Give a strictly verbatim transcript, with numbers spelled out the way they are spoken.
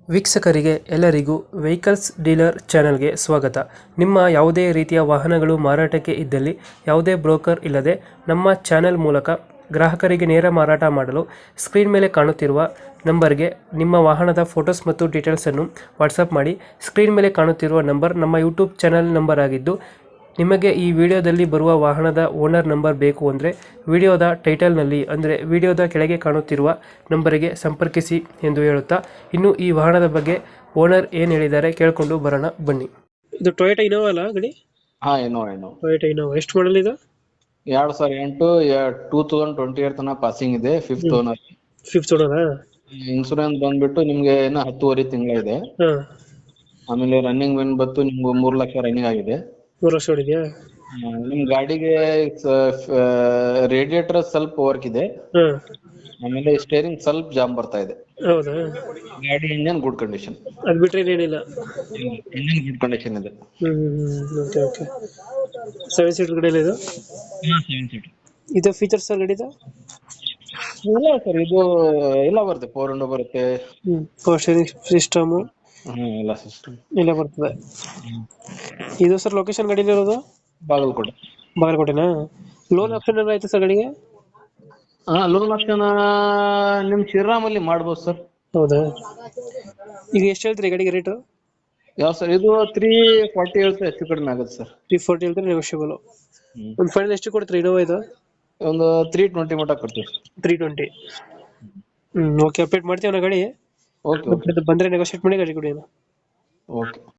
ವೀಕ್ಷಕರಿಗೆ ಎಲ್ಲರಿಗೂ vehicles dealer ಚಾನೆಲ್ಗೆ ಸ್ವಾಗತ. ನಿಮ್ಮ ಯಾವುದೇ ರೀತಿಯ ವಾಹನಗಳು ಮಾರಾಟಕ್ಕೆ ಇದ್ದಲ್ಲಿ ಯಾವುದೇ ಬ್ರೋಕರ್ ಇಲ್ಲದೆ ನಮ್ಮ ಚಾನೆಲ್ ಮೂಲಕ ಗ್ರಾಹಕರಿಗೆ ನೇರ ಮಾರಾಟ ಮಾಡಲು ಸ್ಕ್ರೀನ್ ಮೇಲೆ ಕಾಣುತ್ತಿರುವ ನಂಬರ್ಗೆ ನಿಮ್ಮ ವಾಹನದ ಫೋಟೋಸ್ ಮತ್ತು ಡೀಟೇಲ್ಸನ್ನು ವಾಟ್ಸಪ್ ಮಾಡಿ. ಸ್ಕ್ರೀನ್ ಮೇಲೆ ಕಾಣುತ್ತಿರುವ ನಂಬರ್ ನಮ್ಮ ಯೂಟ್ಯೂಬ್ ಚಾನೆಲ್ ನಂಬರ್ ಆಗಿದ್ದು, ನಿಮಗೆ ಈ ವಿಡಿಯೋದಲ್ಲಿ ಬರುವ ವಾಹನದ ಓನರ್ ನಂಬರ್ ಬೇಕು ಅಂದರೆ ವಿಡಿಯೋದ ಟೈಟಲ್ನಲ್ಲಿ ಅಂದರೆ ವಿಡಿಯೋದ ಕೆಳಗೆ ಕಾಣುತ್ತಿರುವ ನಂಬರಿಗೆ ಸಂಪರ್ಕಿಸಿ ಎಂದು ಹೇಳುತ್ತಾ, ಇನ್ನು ಈ ವಾಹನದ ಬಗ್ಗೆ ಓನರ್ ಏನು ಹೇಳಿದ್ದಾರೆ ಕೇಳಿಕೊಂಡು ಬರೋಣ ಬನ್ನಿ. ಇದು ಟೊಯೋಟಾ ಇನೋವಾ ಅಲ್ಲ ಗಾಡಿ? ಹಾ ಏನೋ ಏನೋ ಟೊಯೋಟಾ ಇನೋವಾ ಎಷ್ಟು ಮಾಡಲ್ ಇದು? ಎರಡ್ ಸಾವಿರ ಎಂಟು ಟೂ ತೌಸಂಡ್ ಟ್ವೆಂಟಿ ಏಟ್ ತನಕ ಪಾಸಿಂಗ್ ಇದೆ. Fifth owner. ಫಿಫ್ತ್ ಓನರಾ? ಇನ್ಸೂರೆನ್ಸ್ ಬಂದ್ಬಿಟ್ಟು ನಿಮ್ಗೆ ಇನ್ನ ಹತ್ತುವರೆ ತಿಂಗಳ ಇದೆ. ಹಾಂ. ಆಮೇಲೆ ರನ್ನಿಂಗ್ ಬಂದ್ಬಿಟ್ಟು ನಿಮ್ಗೆ ಮೂರ್ ಲಕ್ಷ ರನ್ನಿಂಗ್ ಆಗಿದೆ. ಮೂರು ವರ್ಷ ಹೊಡಿದ್ಯಾ? ಆ, ನಿಮ್ ಗಾಡಿಗೆ ರೇಡಿಯೇಟರ್ ಸ್ವಲ್ಪ ವರ್ಕ್ ಇದೆ. ಹಾಂ. ಆಮೇಲೆ ಸ್ಟೇರಿಂಗ್ ಸ್ವಲ್ಪ ಜಾಮ್ ಬರ್ತಾ ಇದೆ. ಹೌದಾ? ಗಾಡಿ ಇಂಜನ್ ಗುಡ್ ಕಂಡೀಷನ್. ಅದು ಬಿಟ್ಟರೆ ಏನಿಲ್ಲ? ಇಂಜನ್ ಗುಡ್ ಕಂಡೀಷನ್ ಇದೆ. ಹ್ಞೂ ಹ್ಞೂ ಓಕೆ ಓಕೆ. ಸೆವೆನ್ ಸೀಟರ್ ಗಾಡಿಯಲ್ಲಿ ಇದು? ಸೆವೆನ್ ಸೀಟ್ ಇದು ಫೀಚರ್ಸ್ ಸರ್ ಗಾಡಿದು? ಇಲ್ಲ ಸರ್, ಇದು ಎಲ್ಲ ಬರುತ್ತೆ. ಫೋರ್ ವಿಂಡೋ ಬರುತ್ತೆ. ಹ್ಞೂ ಪವರ್ ಸ್ಟೇರಿಂಗ್ ಸಿಸ್ಟಮು ಹ್ಮ್ ಎಲ್ಲ ಸಿಸ್ಟಮ್ ಎಲ್ಲ ಬರ್ತದೆ. ಇದು ಸರ್ ಲೊಕೇಶನ್ ಗಾಡಿಲಿ ಇರೋದು? ಬಾಗಲಕೋಟೆ. ಬಾಗಲಕೋಟೆನಾ? ಲೋನ್ ಆಪ್ಷನ್ ಏನಾರ ಆಯ್ತು ಸರ್ ಗಾಡಿಗೆ? ಹಾ, ಲೋನ್ ಆಪ್ಷನ್ ನಿಮ್ ಶ್ರೀರಾಮಲ್ಲಿ ಮಾಡ್ಬೋದು ಸರ್. ಹೌದಾ? ಈಗ ಎಷ್ಟು ಹೇಳ್ತೀರಿ ಗಾಡಿಗೆ ರೇಟು? ಯಾವ ಸರ್, ಇದು ತ್ರೀ ಫಾರ್ಟಿ ಹೇಳ್ತಾರೆ, ಹೆಚ್ಚು ಕಡಿಮೆ ಆಗುತ್ತೆ ಸರ್. ತ್ರೀ ಫೋರ್ಟಿ ಹೇಳ್ತಾರೆ, ನೆಗೋಷಿಯಬಲ್. ಹ್ಮ್. ಒಂದು ಫೈನಲ್ ಎಷ್ಟು ಕೊಡ್ತೀರಿ ಇನೋವಾ ಇದು? ಒಂದು ತ್ರೀ ಟ್ವೆಂಟಿ ಮಟ್ಟ ಕೊಡ್ತೀವಿ. Three twenty. ಹ್ಞೂ ಓಕೆ, ಅಪ್ಡೇಟ್ ಮಾಡ್ತೀವಿ ನಾ ಗಾಡಿ. ಓಕೆ ಓಕೆ ಬಂದರೆ ನೆಗೋಷಿಯೇಟ್ ಮಾಡಿ ಗಾಡಿ ಕೊಡಿ. ಓಕೆ.